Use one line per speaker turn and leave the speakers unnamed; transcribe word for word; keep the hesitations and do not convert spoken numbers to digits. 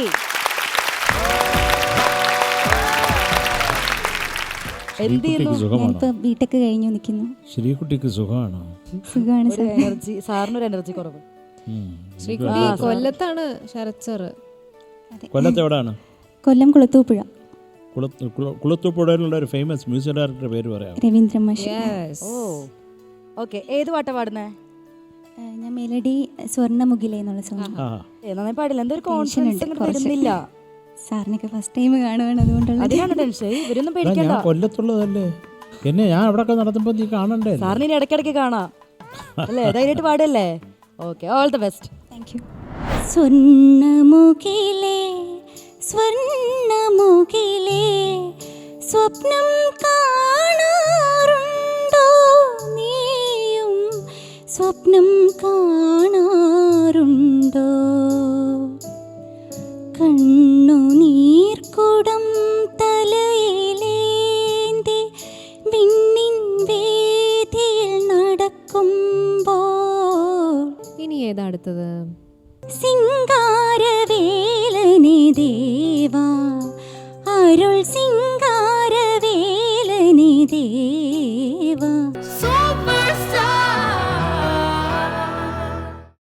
BTech കഴിഞ്ഞു നിൽക്കുന്നു.
ശ്രീകുട്ടിക്ക് സുഖമാണോ?
സുഖമാണ് സാർ.
എനർജി സാറിനൊരു എനർജി കുറവ്.
ശ്രീകുട്ടി കൊല്ലത്താണ് ശരത് സാർ.
കൊല്ലത്ത് എവിടെയാണ്?
കൊല്ലം കുളത്തൂപ്പുഴ.
കുളത്തൂപ്പുഴയിലുള്ള ഒരു ഫേമസ് മ്യൂസിക് ഡയറക്ടറുടെ പേര് പറയാം.
രവീന്ദ്ര മാഷ്.
Oh okay. ഏത് പാട്ടാ പാടുന്നേ?
ഞാൻ മെലഡി സ്വർണ്ണമുഖിലേ എന്നുള്ള സോങ്.
നന്നായി പാടില്ല. എന്തൊരു കോൺഫിഡൻസ് വരുന്നില്ല.
സാറിനൊക്കെ ഫസ്റ്റ് ടൈം കാണുവാണ്, അതുകൊണ്ടുള്ള
അതിനാണ് ടെൻഷൻ. ഇവരൊന്നും പേടിക്കണ്ട.
കൊല്ലത്തുള്ളതല്ലേ എന്നെ ഞാൻ അവിടെ നടത്തുമ്പോ നീ കാണണ്ടേ?
സാറിന് ഇനി ഇടയ്ക്കിടയ്ക്ക് കാണാം അല്ലേ? ധൈര്യമായിട്ട് പാടല്ലേ? Okay, all the best.
Thank you. സ്വർണ്ണമുഖിലേ സ്വർണ്ണമുഖിലേ സ്വപ്നം കാണാറുണ്ടോ നീയും? സ്വപ്നം കാണാറുണ്ടോ? കണ്ണുനീർക്കുടം തലയിലേന്തി വിണ്ണിൻ വേദിയിൽ നടക്കുമ്പോൾ
ഇനി ഏതാ അടുത്തത്?
സിംഗാരവേലനെ ദേവാ അരുൾ സിംഗാരവേലനെ ദേവാ.